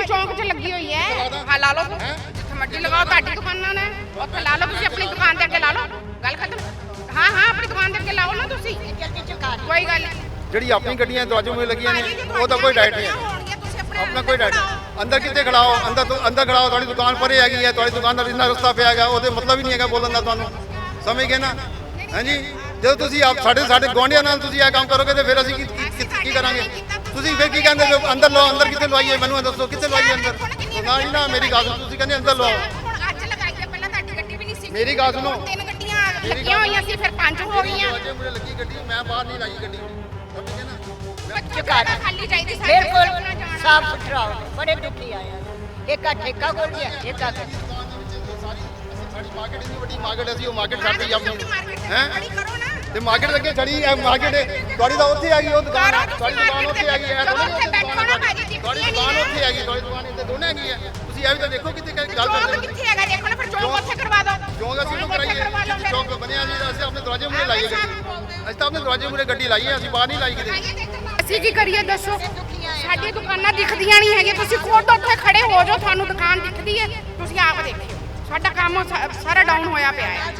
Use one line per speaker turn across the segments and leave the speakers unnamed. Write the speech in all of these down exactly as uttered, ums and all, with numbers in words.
ਚੌਂਕ 'ਚ ਲੱਗੀ ਹੋਈ ਹੈ। ਹਾਂ ਲਾ ਲਓ, ਜਿੱਥੇ ਮਰਜ਼ੀ ਲਗਾਓ, ਤੁਹਾਡੀ ਦੁਕਾਨਾਂ ਨੇ ਉੱਥੇ ਲਾ ਲਓ, ਤੁਸੀਂ ਆਪਣੀ ਦੁਕਾਨ ਦੇ ਅੱਗੇ ਲਾ ਲਓ, ਗੱਲ ਖਤਮ। ਹਾਂ ਹਾਂ ਆਪਣੀ ਦੁਕਾਨ ਦੇ ਅੱਗੇ ਲਾਓ ਨਾ ਤੁਸੀਂ, ਕੋਈ ਗੱਲ ਨਹੀਂ।
ਜਿਹੜੀ ਆਪਣੀ ਗੱਡੀਆਂ ਦਰਵਾਜ਼ੇ ਮੂਹਰੇ ਲੱਗੀਆਂ ਨੇ ਉਹਦਾ ਕੋਈ ਡਾਇਟ ਨਹੀਂ ਹੈ, ਆਪਣਾ ਕੋਈ ਡਾਇਟ। ਅੰਦਰ ਕਿੱਥੇ ਖੜਾਓ, ਅੰਦਰ ਤੋਂ ਅੰਦਰ ਖੜਾਓ, ਤੁਹਾਡੀ ਦੁਕਾਨ ਪਰੇ ਹੈਗੀ ਹੈ, ਤੁਹਾਡੀ ਦੁਕਾਨ ਦਾ ਇੰਨਾ ਰਸਤਾ ਪਿਆ ਹੈਗਾ, ਉਹਦੇ ਮਤਲਬ ਹੀ ਨਹੀਂ ਹੈਗਾ ਬੋਲਣ ਦਾ, ਤੁਹਾਨੂੰ ਸਮਝ ਗਏ ਨਾ? ਹਾਂਜੀ, ਜਦੋਂ ਤੁਸੀਂ ਆਪ ਸਾਡੇ ਸਾਡੇ ਗੁਆਂਢੀਆਂ ਨਾਲ ਤੁਸੀਂ ਇਹ ਕੰਮ ਕਰੋਗੇ ਤੇ ਫਿਰ ਅਸੀਂ ਕੀ ਕੀ ਕਰਾਂਗੇ? ਤੁਸੀਂ ਫਿਰ ਕੀ ਕਹਿੰਦੇ ਹੋ ਅੰਦਰ ਲਓ, ਅੰਦਰ ਕਿੱਥੇ ਲਵਾਈਏ? ਮੈਨੂੰ ਦੱਸੋ ਕਿੱਥੇ ਲਵਾਈਏ ਅੰਦਰ? ਨਾ ਜੀ ਨਾ, ਮੇਰੀ ਗੱਲ ਸੁਣੋ, ਤੁਸੀਂ ਕਹਿੰਦੇ ਅੰਦਰ ਲਵਾਓ।
ਅੱਜ ਲਗਾਈ ਹੈ, ਪਹਿਲਾਂ ਤੁਹਾਡੀ ਗੱਡੀ ਵੀ ਨਹੀਂ ਸੀ।
ਮੇਰੀ ਗੱਲ ਸੁਣੋ,
ਤਿੰਨ ਗੱਡੀਆਂ ਲੱਗੀਆਂ ਹੋਈਆਂ ਸੀ, ਫਿਰ ਪੰਜ ਹੋ ਗਈਆਂ।
ਦਰਵਾਜ਼ੇ ਮੂਹਰੇ ਲੱਗੀ ਗੱਡੀ, ਮੈਂ ਬਾਹਰ ਨਹੀਂ ਲਾਈ ਗੱਡੀ, ਸਮਝ ਗਏ ਨਾ?
ਚੁਕਾਰਾ ਖਾਲੀ ਚਾਹੀਦੀ ਸਾਡੇ
ਬਿਲਕੁਲ ਸਾਫ ਸੁਥਰਾ ਹੋਵੇ, ਬੜੇ ਦੁਖੀ ਆਏ ਆ। ਇੱਕ ਆ ਠੇਕਾ ਖੋਲ ਗਿਆ, ਇੱਕ ਆ
ਸਾਡੀ ਮਾਰਕੀਟ ਇੰਨੀ ਵੱਡੀ ਮਾਰਕੀਟ, ਅਸੀਂ ਉਹ ਮਾਰਕੀਟ ਛੱਡ ਦਿੱਤੀ ਆਪਣੀ, ਹੈ ਤੇ ਮਾਰਕੀਟ ਲੱਗੇ ਛੜੀ ਹੈ ਮਾਰਕੀਟ, ਤੁਹਾਡੀ ਤਾਂ ਉੱਥੇ ਆ ਗਈ ਉਹ ਦੁਕਾਨ, ਤੁਹਾਡੀ ਦੁਕਾਨ ਉੱਥੇ ਆ ਗਈ ਹੈ, ਤੁਹਾਡੀ ਦੁਕਾਨ ਉੱਥੇ ਆ ਗਈ, ਤੁਹਾਡੀ ਦੁਕਾਨ ਇੱਥੇ ਦੋਨੇ ਹੈਗੀ ਹੈ। ਤੁਸੀਂ ਇਹ ਵੀ ਤਾਂ ਦੇਖੋ ਕਿੱਥੇ ਗੱਲ ਕਰਦੇ ਹੋ,
ਕਿੱਥੇ ਹੈਗਾ ਦੇਖੋ ਨਾ, ਫਿਰ ਚੌਂਕ ਉੱਥੇ ਕਰਵਾ ਦਿਓ।
ਚੌਂਕ ਅਸੀਂ ਨੂੰ ਕਰਾਈਏ, ਚੌਂਕ ਬਣਿਆ ਸੀ, ਅਸੀਂ ਆਪਣੇ ਦਰਵਾਜ਼ੇ ਮੂਹਰੇ ਲਾਈਏ ਗੱਡੀ, ਅਸੀਂ ਤਾਂ ਆਪਣੇ ਦਰਵਾਜ਼ੇ ਮੂਹਰੇ ਗੱਡੀ ਲਾਈਏ, ਅਸੀਂ ਬਾਹਰ ਨਹੀਂ ਲਾਈ ਕਿਤੇ।
ਅਸੀਂ ਕੀ ਕਰੀਏ ਦੱਸੋ, ਸਾਡੀ ਦੁਕਾਨਾਂ ਦਿਖਦੀਆਂ ਨਹੀਂ ਹੈਗੀਆਂ, ਤੁਸੀਂ ਖੁਦ ਉੱਥੇ ਖੜੇ ਹੋ ਜਾਓ, ਤੁਹਾਨੂੰ ਦੁਕਾਨ ਦਿਖਦੀ ਹੈ, ਤੁਸੀਂ ਆਪ ਦੇਖਿਓ। ਸਾਡਾ ਕੰਮ ਸਾਰਾ ਡਾਊਨ ਹੋਇਆ ਪਿਆ ਹੈ।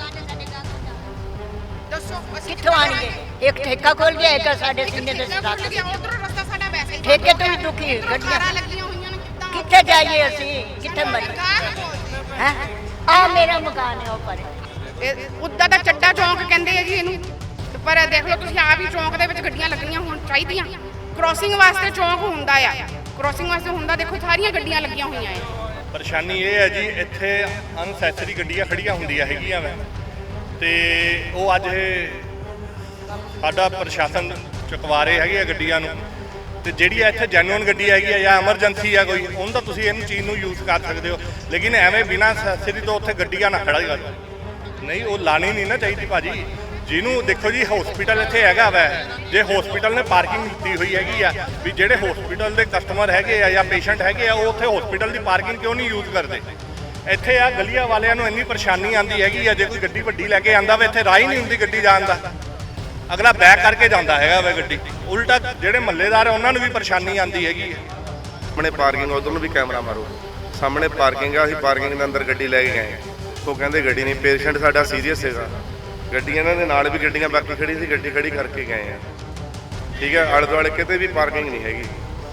ਦੱਸੋ
ਕਿੱਥੋਂ ਆਣਗੇ? ਇੱਕ ਠੇਕਾ ਖੋਲ ਗਿਆ, ਇੱਕ ਸਾਡੇ ਸੀਨੇ ਦੇ ਸਟਾਕ।
ਉਧਰੋਂ ਰਸਤਾ ਸਾਡਾ ਵੈਸੇ ਹੀ
ਠੇਕੇ ਤੋਂ ਵੀ ਦੁਖੀ ਗੱਡੀਆਂ
ਲੱਗੀਆਂ ਹੋਈਆਂ ਨੇ, ਕਿੱਦਾਂ
ਕਿੱਥੇ ਜਾਈਏ ਅਸੀਂ, ਕਿੱਥੇ ਮਰੀਏ? ਹੈ ਆ ਮੇਰਾ ਮਕਾਨ ਹੈ ਉਹ ਪਰੇ,
ਉੱਦਾਂ ਦਾ ਚੱਡਾ ਚੌਂਕ ਕਹਿੰਦੇ ਆ ਜੀ ਇਹਨੂੰ, ਪਰ ਦੇਖ ਲਓ ਤੁਸੀਂ ਆਪ ਹੀ ਚੌਂਕ ਦੇ ਵਿੱਚ ਗੱਡੀਆਂ ਲੱਗਣੀਆਂ ਹੋਣ ਚਾਹੀਦੀਆਂ। ਕ੍ਰੋਸਿੰਗ ਵਾਸਤੇ ਚੌਂਕ ਹੁੰਦਾ ਆ, ਕ੍ਰੋਸਿੰਗ ਵਾਸਤੇ ਹੁੰਦਾ, ਦੇਖੋ ਸਾਰੀਆਂ ਗੱਡੀਆਂ ਲੱਗੀਆਂ ਹੋਈਆਂ ਆ।
ਪਰੇਸ਼ਾਨੀ ਇਹ ਹੈ ਜੀ, ਇੱਥੇ ਅਨਸੈਸਰੀ ਗੱਡੀਆਂ ਖੜੀਆਂ ਹੁੰਦੀਆਂ ਹੈਗੀਆਂ ਵਾ, ਤੇ ਉਹ ਅੱਜ ਇਹ ਸਾਡਾ ਪ੍ਰਸ਼ਾਸਨ ਚੁਕਵਾ ਰਹੇ ਹੈਗੇ ਆ ਗੱਡੀਆਂ ਨੂੰ, ਤੇ ਜਿਹੜੀ ਇੱਥੇ ਜੈਨੂਅਨ ਗੱਡੀ ਹੈਗੀ ਆ ਜਾਂ ਐਮਰਜੈਂਸੀ ਆ ਕੋਈ, ਉਹਨੂੰ ਤਾਂ ਤੁਸੀਂ ਇਹਨੂੰ ਚੀਜ਼ ਨੂੰ ਯੂਜ਼ ਕਰ ਸਕਦੇ ਹੋ, ਲੇਕਿਨ ਐਵੇਂ ਬਿਨਾਂ ਅਨਸੈਸਰੀ ਤੋਂ ਉੱਥੇ ਗੱਡੀਆਂ ਨਾ ਖੜਾ ਕਰ, ਨਹੀਂ ਉਹ ਲਾਣੀ ਨਹੀਂ ਨਾ ਚਾਹੀਦੀ ਭਾਜੀ। ਜਿਹਨੂੰ ਦੇਖੋ ਜੀ ਹਸਪੀਟਲ ਇੱਥੇ ਹੈਗਾ ਵੈ, ਜੇ ਹਸਪੀਟਲ ਨੇ ਪਾਰਕਿੰਗ ਦਿੱਤੀ ਹੋਈ ਹੈਗੀ ਆ, ਵੀ ਜਿਹੜੇ ਹਸਪੀਟਲ ਦੇ ਕਸਟਮਰ ਹੈਗੇ ਆ ਜਾਂ ਪੇਸ਼ੈਂਟ ਹੈਗੇ ਆ, ਉਹ ਉੱਥੇ ਹਸਪੀਟਲ ਦੀ ਪਾਰਕਿੰਗ ਕਿਉਂ ਨਹੀਂ ਯੂਜ਼ ਕਰਦੇ? ਇੱਥੇ ਆ ਗਲੀਆਂ ਵਾਲਿਆਂ ਨੂੰ ਇੰਨੀ ਪਰੇਸ਼ਾਨੀ ਆਉਂਦੀ ਹੈਗੀ ਆ, ਜੇ ਕੋਈ ਗੱਡੀ ਵੱਡੀ ਲੈ ਕੇ ਆਂਦਾ ਵਾ, ਇੱਥੇ ਰਾਹ ਹੀ ਨਹੀਂ ਹੁੰਦੀ ਗੱਡੀ ਜਾਣ ਦਾ, ਅਗਲਾ ਬੈਕ ਕਰਕੇ ਜਾਂਦਾ ਹੈਗਾ ਵਾ ਗੱਡੀ, ਉਲਟਾ ਜਿਹੜੇ ਮਹੱਲੇਦਾਰ ਆ ਉਹਨਾਂ ਨੂੰ ਵੀ ਪਰੇਸ਼ਾਨੀ ਆਉਂਦੀ ਹੈਗੀ ਹੈ।
ਸਾਹਮਣੇ ਪਾਰਕਿੰਗ, ਉਧਰ ਨੂੰ ਵੀ ਕੈਮਰਾ ਮਾਰੋ, ਸਾਹਮਣੇ ਪਾਰਕਿੰਗ ਆ, ਅਸੀਂ ਪਾਰਕਿੰਗ ਦੇ ਅੰਦਰ ਗੱਡੀ ਲੈ ਕੇ ਗਏ, ਉਹ ਕਹਿੰਦੇ ਗੱਡੀ ਨਹੀਂ, ਪੇਸ਼ੈਂਟ ਸਾਡਾ ਸੀਰੀਅਸ ਹੈਗਾ, ਗੱਡੀ ਇਹਨਾਂ ਦੇ ਨਾਲ ਵੀ ਗੱਡੀਆਂ ਬਾਕੀ ਖੜੀ ਸੀ, ਗੱਡੀ ਖੜੀ ਕਰਕੇ ਗਏ ਆ, ਠੀਕ ਹੈ। ਆਲੇ ਦੁਆਲੇ ਕਿਤੇ ਵੀ ਪਾਰਕਿੰਗ ਨਹੀਂ ਹੈਗੀ,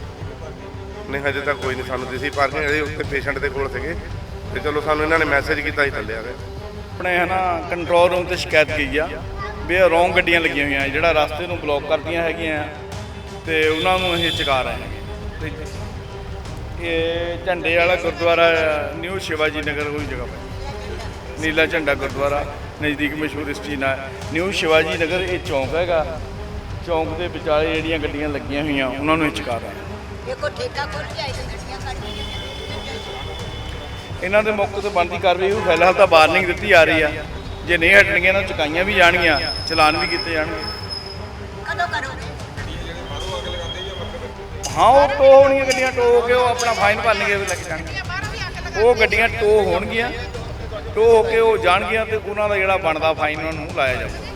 ਨਹੀਂ ਹਜੇ ਤੱਕ ਕੋਈ ਨਹੀਂ ਸਾਨੂੰ ਦਿਸੀ ਪਾਰਕਿੰਗ, ਅਜੇ ਉੱਥੇ ਪੇਸ਼ੈਂਟ ਦੇ ਕੋਲ ਸੀਗੇ, ਤੇ ਚਲੋ ਸਾਨੂੰ ਇਹਨਾਂ ਨੇ ਮੈਸੇਜ ਕੀਤਾ ਹੀ ਥੱਲੇ ਆ ਗਏ।
ਆਪਣੇ ਹੈ ਨਾ ਕੰਟਰੋਲ ਰੂਮ ਤੇ ਸ਼ਿਕਾਇਤ ਕੀਤੀ ਆ ਵੀ ਇਹ ਰੌਂਗ ਗੱਡੀਆਂ ਲੱਗੀਆਂ ਹੋਈਆਂ, ਜਿਹੜਾ ਰਸਤੇ ਨੂੰ ਬਲੌਕ ਕਰਦੀਆਂ ਹੈਗੀਆਂ, ਤੇ ਉਹਨਾਂ ਨੂੰ ਅਸੀਂ ਚੁਕਾ ਰਹੇ ਹਾਂ। ਤੇ ਇਹ ਝੰਡੇ ਵਾਲਾ ਗੁਰਦੁਆਰਾ ਨਿਊ ਸ਼ਿਵਾਜੀ ਨਗਰ ਕੋਈ ਜਗ੍ਹਾ ਪਈ, ਨੀਲਾ ਝੰਡਾ ਗੁਰਦੁਆਰਾ ਨਜ਼ਦੀਕ ਮਸ਼ਹੂਰ ਇਸ ਚੀਜ਼ ਨਾਲ ਨਿਊ ਸ਼ਿਵਾਜੀ ਨਗਰ, ਇਹ ਚੌਂਕ ਹੈਗਾ, ਚੌਂਕ ਦੇ ਵਿਚਾਲੇ ਜਿਹੜੀਆਂ ਗੱਡੀਆਂ ਲੱਗੀਆਂ ਹੋਈਆਂ ਉਹਨਾਂ ਨੂੰ ਚੁਕਾ ਰਹੇ ਹਾਂ।
ਦੇਖੋ ਠੇਕਾ ਖੋਲ ਕੇ ਆਈ ਗੱਡੀਆਂ ਖੜੀਆਂ,
ਇਹਨਾਂ ਦੇ ਮੌਕੇ ਤੋਂ ਬਣਦੀ ਕਾਰਵਾਈ ਉਹ ਫਿਲਹਾਲ ਤਾਂ ਵਾਰਨਿੰਗ ਦਿੱਤੀ ਆ ਰਹੀ ਆ, ਜੇ ਨਹੀਂ ਹਟਣਗੀਆਂ ਤਾਂ ਚੁਕਾਈਆਂ ਵੀ ਜਾਣਗੀਆਂ, ਚਲਾਨ ਵੀ ਕੀਤੇ ਜਾਣਗੇ।
ਕਦੋਂ ਕਰੋਗੇ?
ਹਾਂ ਉਹ ਟੋ ਹੋਣਗੀਆਂ ਗੱਡੀਆਂ, ਟੋ ਹੋ ਕੇ ਉਹ ਆਪਣਾ ਫਾਈਨ ਭਰਨਗੇ, ਵੀ ਲੱਗ ਜਾਣਗੇ, ਉਹ ਗੱਡੀਆਂ ਟੋ ਹੋਣਗੀਆਂ, ਟੋ ਹੋ ਕੇ ਉਹ ਜਾਣਗੀਆਂ, ਤੇ ਉਹਨਾਂ ਦਾ ਜਿਹੜਾ ਬਣਦਾ ਫਾਈਨ ਉਹਨਾਂ ਨੂੰ ਲਾਇਆ ਜਾਊਗਾ।